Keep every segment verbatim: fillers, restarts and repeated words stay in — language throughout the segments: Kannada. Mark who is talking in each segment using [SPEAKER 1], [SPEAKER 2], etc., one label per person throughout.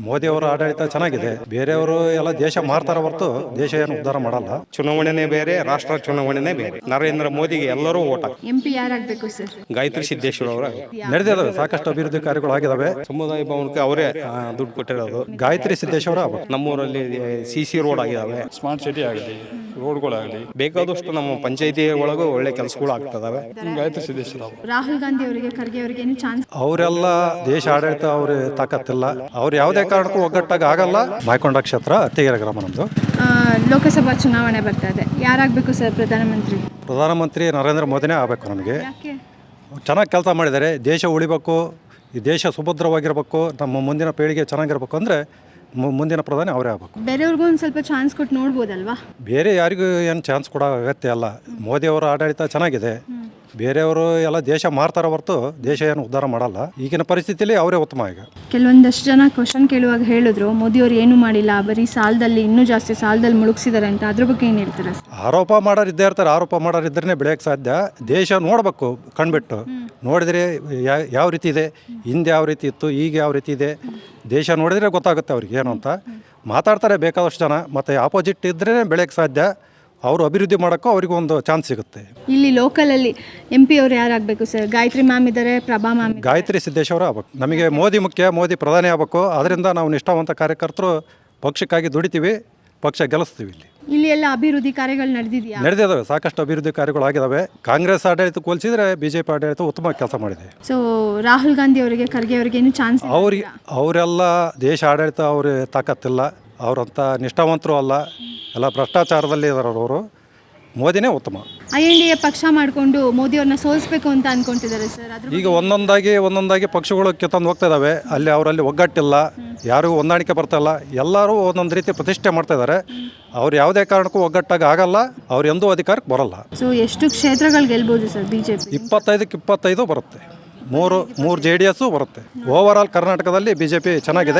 [SPEAKER 1] ಮೋದಿ ಅವರ ಆಡಳಿತ ಚೆನ್ನಾಗಿದೆ. ಬೇರೆಯವರು ಎಲ್ಲ ದೇಶ ಮಾರ್ತಾರ ಹೊರತು ದೇಶ ಏನು ಉದ್ಧಾರ ಮಾಡಲ್ಲ.
[SPEAKER 2] ಚುನಾವಣೆನೇ ಬೇರೆ, ರಾಷ್ಟ್ರ ಚುನಾವಣೆನೇ ಬೇರೆ. ನರೇಂದ್ರ ಮೋದಿಗೆ ಎಲ್ಲರೂ ಓಟ್ ಹಾಕ್ತಾರೆ.
[SPEAKER 3] ಎಂ ಪಿ ಯಾರಾಗಬೇಕು ಸರ್?
[SPEAKER 2] ಗಾಯತ್ರಿ ಸಿದ್ದೇಶ್ವರ ಅವರ
[SPEAKER 1] ನಡೆದಿದ್ದಾವೆ, ಸಾಕಷ್ಟು ಅಭಿವೃದ್ಧಿ ಕಾರ್ಯಗಳು ಆಗಿದಾವೆ.
[SPEAKER 2] ಸಮುದಾಯ ಭವನಕ್ಕೆ ಅವರೇ ಆ, ದುಡ್ಡು ಕೊಟ್ಟಿರೋದು.
[SPEAKER 1] ಗಾಯತ್ರಿ ಸಿದ್ದೇಶ್ವರ
[SPEAKER 2] ನಮ್ಮೂರಲ್ಲಿ ಸಿ ಸಿ ರೋಡ್ ಆಗಿದಾವೆ,
[SPEAKER 4] ಸ್ಮಾರ್ಟ್ ಸಿಟಿ ಆಗಲಿ, ರೋಡ್ಗಳಾಗಲಿ,
[SPEAKER 2] ಬೇಕಾದಷ್ಟು ನಮ್ಮ ಪಂಚಾಯತಿ ಒಳಗೂ ಒಳ್ಳೆ ಕೆಲಸಗಳು ಆಗ್ತದಾವೆ.
[SPEAKER 4] ಗಾಯತ್ರಿ ಸಿದ್ದೇಶ್ವರ
[SPEAKER 3] ರಾಹುಲ್ ಗಾಂಧಿ ಅವರಿಗೆ, ಖರ್ಗೆ ಅವರಿಗೆ ಏನು ಚಾನ್ಸ್?
[SPEAKER 1] ಅವರೆಲ್ಲ ದೇಶ ಆಡಳಿತ ಅವ್ರ ತಾಕತ್ತಿಲ್ಲ. ಅವ್ರು ಯಾವುದೇ ಕಾರಣಕ್ಕೂ ಒಗ್ಗಟ್ಟಾಗಿ ಆಗಲ್ಲ. ಮಾಯಕೊಂಡ ಕ್ಷೇತ್ರ ಅತ್ತಿಗೆರೆ ಗ್ರಾಮ ನಮ್ಮದು.
[SPEAKER 3] ಆ, ಲೋಕಸಭಾ ಚುನಾವಣೆ ಬರ್ತಾ ಇದೆ, ಯಾರಾಗಬೇಕು ಸರ್ ಪ್ರಧಾನಮಂತ್ರಿ?
[SPEAKER 1] ಪ್ರಧಾನಮಂತ್ರಿ ನರೇಂದ್ರ ಮೋದಿನೇ ಆಗಬೇಕು ನಮಗೆ.
[SPEAKER 3] ಯಾಕೆ?
[SPEAKER 1] ಚೆನ್ನಾಗಿ ಕೆಲಸ ಮಾಡಿದ್ದಾರೆ. ದೇಶ ಉಳಿಬೇಕು, ಈ ದೇಶ ಸುಭದ್ರವಾಗಿರಬೇಕು, ನಮ್ಮ ಮುಂದಿನ ಪೀಳಿಗೆ ಚೆನ್ನಾಗಿರ್ಬೇಕು ಅಂದರೆ ಮುಂದಿನ ಪ್ರಧಾನಿ ಅವರೇ ಆಗಬೇಕು.
[SPEAKER 3] ಬೇರೆಯವ್ರಿಗೂ ಒಂದು ಸ್ವಲ್ಪ ಚಾನ್ಸ್ ಕೊಟ್ಟು ನೋಡ್ಬೋದಲ್ವಾ?
[SPEAKER 1] ಬೇರೆ ಯಾರಿಗೂ ಏನು ಚಾನ್ಸ್ ಕೊಡೋ ಅಗತ್ಯ ಅಲ್ಲ. ಮೋದಿಯವರ ಆಡಳಿತ ಚೆನ್ನಾಗಿದೆ. ಬೇರೆಯವರು ಎಲ್ಲ ದೇಶ ಮಾರ್ತಾರ ಹೊರತು ದೇಶ ಏನು ಉದ್ಧಾರ ಮಾಡಲ್ಲ. ಈಗಿನ ಪರಿಸ್ಥಿತಿಯಲ್ಲಿ ಅವರೇ ಉತ್ತಮ. ಈಗ
[SPEAKER 3] ಕೆಲವೊಂದಷ್ಟು ಜನ ಕ್ವಶನ್ ಕೇಳುವಾಗ ಹೇಳಿದ್ರು ಮೋದಿಯವರು ಏನು ಮಾಡಿಲ್ಲ, ಬರೀ ಸಾಲದಲ್ಲಿ ಇನ್ನೂ ಜಾಸ್ತಿ ಸಾಲದಲ್ಲಿ ಮುಳುಗಿಸಿದ್ದಾರೆ ಅಂತ. ಅದ್ರ ಬಗ್ಗೆ ಏನು ಹೇಳ್ತಾರೆ?
[SPEAKER 1] ಆರೋಪ ಮಾಡೋರು ಇದ್ದೇ ಇರ್ತಾರೆ. ಆರೋಪ ಮಾಡೋರು ಇದ್ರೇ ಬೆಳೆಯೋಕ್ಕೆ ಸಾಧ್ಯ. ದೇಶ ನೋಡಬೇಕು, ಕಣ್ಬಿಟ್ಟು ನೋಡಿದರೆ ಯಾವ ರೀತಿ ಇದೆ, ಹಿಂದೆ ಯಾವ ರೀತಿ ಇತ್ತು, ಈಗ ಯಾವ ರೀತಿ ಇದೆ, ದೇಶ ನೋಡಿದರೆ ಗೊತ್ತಾಗುತ್ತೆ ಅವ್ರಿಗೆ ಏನು ಅಂತ. ಮಾತಾಡ್ತಾರೆ ಬೇಕಾದಷ್ಟು ಜನ, ಮತ್ತು ಆಪೋಸಿಟ್ ಇದ್ರೇ ಬೆಳೆಯೋಕ್ಕೆ ಸಾಧ್ಯ. ಅವರು ಅಭಿವೃದ್ಧಿ ಮಾಡೋಕ್ಕೂ ಅವ್ರಿಗೆ ಒಂದು ಚಾನ್ಸ್ ಸಿಗುತ್ತೆ.
[SPEAKER 3] ಇಲ್ಲಿ ಲೋಕಲಲ್ಲಿ ಎಂ ಪಿ ಅವರು ಯಾರಾಗಬೇಕು ಸರ್? ಗಾಯತ್ರಿ ಮ್ಯಾಮ್ ಇದ್ದಾರೆ, ಪ್ರಭಾ ಮ್ಯಾಮ್.
[SPEAKER 1] ಗಾಯತ್ರಿ ಸಿದ್ದೇಶ್ವರ ಆಗ್ಬೇಕು. ನಮಗೆ ಮೋದಿ ಮುಖ್ಯ, ಮೋದಿ ಪ್ರಧಾನಿ ಆಗಬೇಕು. ಅದರಿಂದ ನಾವು ನಿಷ್ಠಾವಂತ ಕಾರ್ಯಕರ್ತರು ಪಕ್ಷಕ್ಕಾಗಿ ದುಡಿತೀವಿ, ಪಕ್ಷ ಗೆಲ್ಲಿಸ್ತೀವಿ. ಇಲ್ಲಿ
[SPEAKER 3] ಇಲ್ಲಿ ಎಲ್ಲ ಅಭಿವೃದ್ಧಿ ಕಾರ್ಯಗಳು ನಡೆದಿದೆಯಾ?
[SPEAKER 1] ನಡೆದಿದ್ದಾವೆ, ಸಾಕಷ್ಟು ಅಭಿವೃದ್ಧಿ ಕಾರ್ಯಗಳು ಆಗಿದ್ದಾವೆ. ಕಾಂಗ್ರೆಸ್ ಆಡಳಿತ ಹೋಲಿಸಿದ್ರೆ ಬಿಜೆಪಿ ಆಡಳಿತ ಉತ್ತಮ ಕೆಲಸ ಮಾಡಿದೆ.
[SPEAKER 3] ಸೊ ರಾಹುಲ್ ಗಾಂಧಿ ಅವರಿಗೆ, ಖರ್ಗೆ ಅವರಿಗೆ ಏನು ಚಾನ್ಸ್?
[SPEAKER 1] ಅವ್ರಿಗೆ ಅವರೆಲ್ಲ ದೇಶ ಆಡಳಿತ ಅವ್ರ ತಾಕತ್ತಿಲ್ಲ. ಅವರಂಥ ನಿಷ್ಠಾವಂತರು ಅಲ್ಲ, ಎಲ್ಲ ಭ್ರಷ್ಟಾಚಾರದಲ್ಲಿ ಇದ್ದಾರೆ ಅವರು. ಮೋದಿನೇ ಉತ್ತಮ.
[SPEAKER 3] ಐ ಎನ್ ಡಿ ಎ ಪಕ್ಷ ಮಾಡಿಕೊಂಡು ಮೋದಿಯವ್ರನ್ನ ಸೋಲಿಸಬೇಕು ಅಂತ ಅನ್ಕೊಂತಿದ್ದಾರೆ ಸರ್. ಅದ್ರ
[SPEAKER 1] ಈಗ ಒಂದೊಂದಾಗಿ ಒಂದೊಂದಾಗಿ ಪಕ್ಷಗಳು ಕಿತ್ತಂದು ಹೋಗ್ತಾ ಇದ್ದಾವೆ. ಅಲ್ಲಿ ಅವರಲ್ಲಿ ಒಗ್ಗಟ್ಟಿಲ್ಲ, ಯಾರಿಗೂ ಹೊಂದಾಣಿಕೆ ಬರ್ತಾ ಇಲ್ಲ. ಎಲ್ಲರೂ ಒಂದೊಂದು ರೀತಿ ಪ್ರತಿಷ್ಠೆ ಮಾಡ್ತಾ ಇದ್ದಾರೆ. ಅವ್ರು ಯಾವುದೇ ಕಾರಣಕ್ಕೂ ಒಗ್ಗಟ್ಟಾಗಿ ಆಗಲ್ಲ. ಅವ್ರು ಎಂದೂ ಅಧಿಕಾರಕ್ಕೆ ಬರಲ್ಲ.
[SPEAKER 3] ಸೊ ಎಷ್ಟು ಕ್ಷೇತ್ರಗಳು ಗೆಲ್ಬೋದು ಸರ್ ಬಿಜೆಪಿ?
[SPEAKER 1] ಇಪ್ಪತ್ತೈದಕ್ಕೆ ಇಪ್ಪತ್ತೈದು ಬರುತ್ತೆ. ಮೂರು ಮೂರು ಜೆ ಡಿ ಎಸ್ಸು ಬರುತ್ತೆ. ಓವರ್ ಆಲ್ ಕರ್ನಾಟಕದಲ್ಲಿ ಬಿ ಜೆ ಪಿ ಚೆನ್ನಾಗಿದೆ.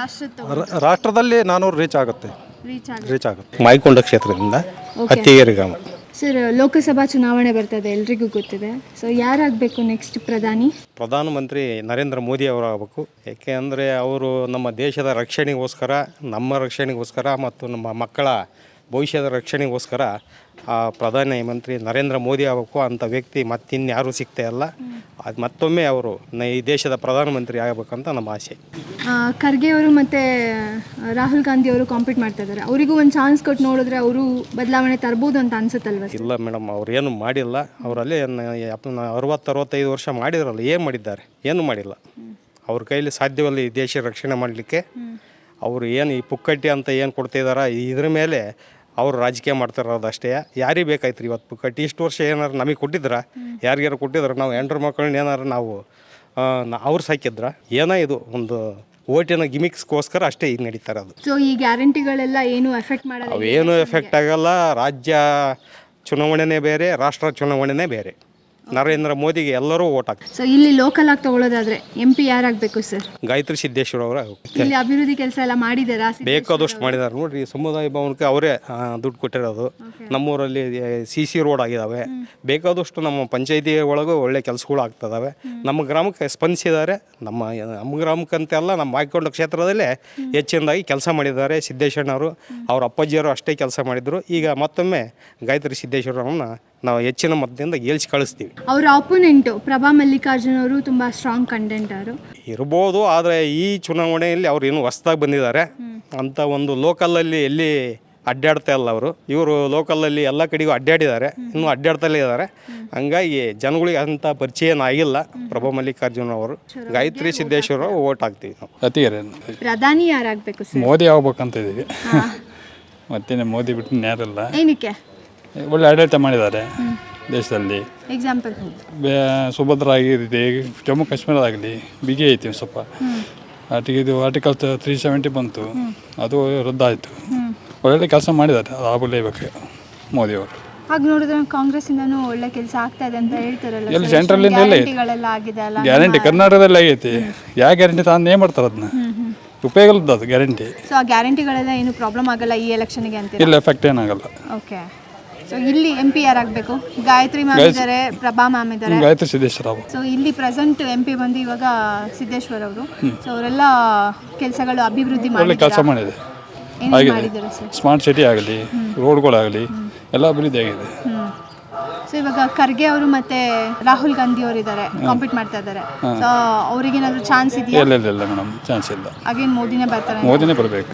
[SPEAKER 1] ರಾಷ್ಟ್ರದಲ್ಲಿ ನಾನೂರು ರೀಚ್ ಆಗುತ್ತೆ ರೀಚ್ ಆಗುತ್ತೆ
[SPEAKER 2] ಮಾಯಕೊಂಡ ಕ್ಷೇತ್ರದಿಂದ ಅತ್ತಿಗೆರೆ ಗ್ರಾಮ.
[SPEAKER 3] ಸರ್ ಲೋಕಸಭಾ ಚುನಾವಣೆ ಬರ್ತದೆ, ಎಲ್ರಿಗೂ ಗೊತ್ತಿದೆ. ಸೊ ಯಾರಾಗಬೇಕು ನೆಕ್ಸ್ಟ್ ಪ್ರಧಾನಿ?
[SPEAKER 2] ಪ್ರಧಾನಮಂತ್ರಿ ನರೇಂದ್ರ ಮೋದಿ ಅವರಾಗಬೇಕು. ಏಕೆ ಅಂದರೆ ಅವರು ನಮ್ಮ ದೇಶದ ರಕ್ಷಣೆಗೋಸ್ಕರ, ನಮ್ಮ ರಕ್ಷಣೆಗೋಸ್ಕರ ಮತ್ತು ನಮ್ಮ ಮಕ್ಕಳ ಭವಿಷ್ಯದ ರಕ್ಷಣೆಗೋಸ್ಕರ ಆ ಪ್ರಧಾನ ಮಂತ್ರಿ ನರೇಂದ್ರ ಮೋದಿ ಆಗಬೇಕು. ಅಂಥ ವ್ಯಕ್ತಿ ಮತ್ತಿನ್ಯಾರೂ ಸಿಗ್ತಾ ಇಲ್ಲ. ಅದು ಮತ್ತೊಮ್ಮೆ ಅವರು ಈ ದೇಶದ ಪ್ರಧಾನಮಂತ್ರಿ ಆಗಬೇಕಂತ ನಮ್ಮ ಆಸೆ.
[SPEAKER 3] ಖರ್ಗೆ ಅವರು ಮತ್ತು ರಾಹುಲ್ ಗಾಂಧಿ ಅವರು ಕಾಂಪೀಟ್ ಮಾಡ್ತಾ ಇದ್ದಾರೆ. ಅವರಿಗೂ ಒಂದು ಚಾನ್ಸ್ ಕೊಟ್ಟು ನೋಡಿದ್ರೆ ಅವರು ಬದಲಾವಣೆ ತರ್ಬೋದು ಅಂತ ಅನ್ಸುತ್ತಲ್ವ?
[SPEAKER 2] ಇಲ್ಲ ಮೇಡಮ್, ಅವ್ರು ಏನು ಮಾಡಿಲ್ಲ. ಅವರಲ್ಲಿ ಅರವತ್ತು ಅರವತ್ತೈದು ವರ್ಷ ಮಾಡಿದ್ರಲ್ಲ, ಏನು ಮಾಡಿದ್ದಾರೆ? ಏನು ಮಾಡಿಲ್ಲ. ಅವ್ರ ಕೈಲಿ ಸಾಧ್ಯವಲ್ಲ ಈ ದೇಶ ರಕ್ಷಣೆ ಮಾಡಲಿಕ್ಕೆ. ಅವರು ಏನು ಈ ಪುಕ್ಕಟ್ಟಿ ಅಂತ ಏನು ಕೊಡ್ತಿದ್ದಾರೆ, ಇದ್ರ ಮೇಲೆ ಅವರು ರಾಜಕೀಯ ಮಾಡ್ತಿರೋದು ಅಷ್ಟೇ. ಯಾರಿಗೆ ಬೇಕಾಯ್ತು ಇವತ್ತು ಪುಕ್ಕಟ್ಟಿ? ಇಷ್ಟು ವರ್ಷ ಏನಾರು ನಮಗೆ ಕೊಟ್ಟಿದ್ರ? ಯಾರಿಗಾರು ಕೊಟ್ಟಿದ್ರೆ ನಾವು ಹೆಂಡ್ರ ಮಕ್ಕಳನ್ನ ಏನಾರು ನಾವು ಅವ್ರು ಸಾಕಿದ್ರ? ಏನೋ ಇದು ಒಂದು ಓಟಿನ ಗಿಮಿಕ್ಸ್ಗೋಸ್ಕರ ಅಷ್ಟೇ ಈಗ ನಡೀತಾ ಇರೋದು.
[SPEAKER 3] ಸೊ ಈ ಗ್ಯಾರಂಟಿಗಳೆಲ್ಲ ಏನು ಎಫೆಕ್ಟ್ ಮಾಡಲ್ಲ?
[SPEAKER 2] ಅವೇನು ಎಫೆಕ್ಟ್ ಆಗಲ್ಲ. ರಾಜ್ಯ ಚುನಾವಣೆನೇ ಬೇರೆ, ರಾಷ್ಟ್ರ ಚುನಾವಣೆನೇ ಬೇರೆ. ನರೇಂದ್ರ ಮೋದಿಗೆ ಎಲ್ಲರೂ ಓಟ್ ಹಾಕ್ತಾರೆ.
[SPEAKER 3] ಸೊ ಇಲ್ಲಿ ಲೋಕಲ್ ಆಗಿ ತಗೊಳ್ಳೋದಾದ್ರೆ ಎಂ ಪಿ ಯಾರಾಗಬೇಕು ಸರ್?
[SPEAKER 2] ಗಾಯತ್ರಿ ಸಿದ್ದೇಶ್ವರ ಅವರ.
[SPEAKER 3] ಇಲ್ಲಿ ಅಭಿವೃದ್ಧಿ ಕೆಲಸ ಎಲ್ಲ ಮಾಡಿದಾರಾ?
[SPEAKER 2] ಬೇಕಾದಷ್ಟು ಮಾಡಿದ್ದಾರೆ ನೋಡ್ರಿ. ಸಮುದಾಯ ಭವನಕ್ಕೆ ಅವರೇ ದುಡ್ಡು ಕೊಟ್ಟಿರೋದು. ನಮ್ಮೂರಲ್ಲಿ ಸಿ ಸಿ ರೋಡ್ ಆಗಿದಾವೆ. ಬೇಕಾದಷ್ಟು ನಮ್ಮ ಪಂಚಾಯತಿ ಒಳಗೂ ಒಳ್ಳೆ ಕೆಲಸಗಳು ಆಗ್ತದಾವೆ. ನಮ್ಮ ಗ್ರಾಮಕ್ಕೆ ಸ್ಪಂದಿಸಿದ್ದಾರೆ. ನಮ್ಮ ನಮ್ಮ ಗ್ರಾಮಕ್ಕಂತೆಲ್ಲ ನಮ್ಮ ಮಾಯಕೊಂಡ ಕ್ಷೇತ್ರದಲ್ಲೇ ಹೆಚ್ಚಿನದಾಗಿ ಕೆಲಸ ಮಾಡಿದ್ದಾರೆ ಸಿದ್ದೇಶ್ವರನವರು. ಅವ್ರ ಅಪ್ಪಾಜಿಯವರು ಅಷ್ಟೇ ಕೆಲಸ ಮಾಡಿದರು. ಈಗ ಮತ್ತೊಮ್ಮೆ ಗಾಯತ್ರಿ ಸಿದ್ದೇಶ್ವರವ್ರನ್ನ ನಾವು ಹೆಚ್ಚಿನ ಮತದಿಂದ ಗೆಲ್ಸಿ ಕಳಿಸ್ತೀವಿ.
[SPEAKER 3] ಅವರ ಅಪೋನೆಂಟು ಪ್ರಭಾ ಮಲ್ಲಿಕಾರ್ಜುನ್ ಅವರು ತುಂಬ ಸ್ಟ್ರಾಂಗ್ ಕಂಟೆಂಟರು
[SPEAKER 2] ಇರ್ಬೋದು. ಆದರೆ ಈ ಚುನಾವಣೆಯಲ್ಲಿ ಅವ್ರು ಇನ್ನೂ ಹೊಸದಾಗಿ ಬಂದಿದ್ದಾರೆ ಅಂತ ಒಂದು ಲೋಕಲಲ್ಲಿ ಎಲ್ಲಿ ಅಡ್ಡಾಡ್ತಾ ಇಲ್ಲ ಅವರು. ಇವರು ಲೋಕಲಲ್ಲಿ ಎಲ್ಲ ಕಡೆಗೂ ಅಡ್ಡಾಡಿದ್ದಾರೆ, ಇನ್ನೂ ಅಡ್ಡಾಡ್ತಲೇ ಇದ್ದಾರೆ. ಹಂಗಾಗಿ ಜನಗಳಿಗೆ ಅಂಥ ಪರಿಚಯ ಆಗಿಲ್ಲ ಪ್ರಭಾ ಮಲ್ಲಿಕಾರ್ಜುನ್ ಅವರು. ಗಾಯತ್ರಿ ಸಿದ್ದೇಶ್ವರ ಓಟ್ ಹಾಕ್ತೀವಿ ನಾವು.
[SPEAKER 4] ಅತ್ತಿಗೆರೆ
[SPEAKER 3] ಪ್ರಧಾನಿ ಯಾರಾಗಬೇಕು ಸರ್?
[SPEAKER 4] ಮೋದಿ ಆಗ್ಬೇಕಂತ ಇದ್ದೀವಿ. ಮತ್ತೇನೆ ಮೋದಿ ಬಿಟ್ಟು ಯಾರಲ್ಲ.
[SPEAKER 3] ಏನಕ್ಕೆ?
[SPEAKER 4] ಒಳ್ಳೆ ಆಡಳಿತ ಮಾಡಿದ್ದಾರೆ ದೇಶದಲ್ಲಿ.
[SPEAKER 3] ಎಕ್ಸಾಂಪಲ್
[SPEAKER 4] ಸುಭದ್ರ ಆಗಿದೆ. ಜಮ್ಮು ಕಾಶ್ಮೀರದಾಗಲಿ ಬಿಗಿ ಐತಿ ಸ್ವಲ್ಪ. ಆಟಿಗೆ ಇದು ಆರ್ಟಿಕಲ್ ತ್ರೀ ಸೆವೆಂಟಿ ಬಂತು, ಅದು ರದ್ದಾಯಿತು. ಒಳ್ಳೆ ಕೆಲಸ ಮಾಡಿದ್ದಾರೆ, ಅದು ಆಗಲೇಬೇಕು ಮೋದಿಯವರು.
[SPEAKER 3] ಹಾಗೆ ನೋಡಿದ್ರೆ ಕಾಂಗ್ರೆಸ್ ಇಂದನೂ ಒಳ್ಳೆ ಕೆಲಸ ಆಗ್ತಾ ಇದೆ ಅಂತ ಹೇಳ್ತಾರಲ್ಲ.
[SPEAKER 4] ಎಲ್ಲಿ ಸೆಂಟ್ರಲಿಂದ ಎಲ್ಲ ಗ್ಯಾರಂಟಿ ಕರ್ನಾಟಕದಲ್ಲಿ ಆಗೈತಿ. ಯಾವ ಗ್ಯಾರಂಟಿ ತಾನು ಏನು ಮಾಡ್ತಾರೆ ಅದನ್ನ ಉಪಯೋಗ ಇಲ್ಲದ ಅದು ಗ್ಯಾರಂಟಿ.
[SPEAKER 3] ಸೊ ಆ ಗ್ಯಾರಂಟಿಗಳೆಲ್ಲ ಏನು ಪ್ರಾಬ್ಲಮ್ ಆಗಲ್ಲ ಈ ಎಲೆಕ್ಷನ್ಗೆ ಅಂತ?
[SPEAKER 4] ಇಲ್ಲ, ಎಫೆಕ್ಟ್ ಏನಾಗಲ್ಲ.
[SPEAKER 3] ಓಕೆ. ಸೊ ಇಲ್ಲಿ ಎಂ ಪಿ ಯಾರಾಗಬೇಕು? ಗಾಯತ್ರಿ ಮ್ಯಾಮ್ ಇದ್ದಾರೆ, ಪ್ರಭಾ ಮ್ಯಾಮ್ ಇದ್ದಾರೆ.
[SPEAKER 4] ಗಾಯತ್ರಿ ಸಿದ್ದೇಶ್ವರ ಅವರು.
[SPEAKER 3] ಸೊ ಇಲ್ಲಿ ಪ್ರೆಸೆಂಟ್ ಎಂ ಪಿ ಬಂದು ಇವಾಗ ಸಿದ್ದೇಶ್ವರ್ ಅವರು. ಸೊ ಅವರೆಲ್ಲ ಕೆಲಸಗಳು ಅಭಿವೃದ್ಧಿ
[SPEAKER 4] ಒಳ್ಳೆ ಕೆಲಸ ಮಾಡಿದೆ,
[SPEAKER 3] ಏನೇನು ಮಾಡಿದ್ದಾರೆ ಸರ್?
[SPEAKER 4] ಸ್ಮಾರ್ಟ್ ಸಿಟಿ ಆಗಲಿ, ರೋಡ್ಗಳಾಗಲಿ ಎಲ್ಲ ಅಭಿವೃದ್ಧಿ ಆಗಿದೆ.
[SPEAKER 3] ಸೊ ಇವಾಗ ಖರ್ಗೆ ಅವರು ಮತ್ತೆ ರಾಹುಲ್ ಗಾಂಧಿ ಅವರು ಇದ್ದಾರೆ, ಕಾಂಪೀಟ್ ಮಾಡ್ತಾ ಇದ್ದಾರೆ. ಸೊ ಅವ್ರಿಗೇನಾದರೂ ಚಾನ್ಸ್ ಇದೆಯಾ?
[SPEAKER 4] ಇಲ್ಲ ಇಲ್ಲ ಇಲ್ಲ ಮೇಡಮ್, ಚಾನ್ಸ್ ಇಲ್ಲ.
[SPEAKER 3] ಅಗೇನ್ ಮೋದಿನೇ ಬರ್ತಾರೆ?
[SPEAKER 4] ಮೋದಿನೇ ಬರಬೇಕು.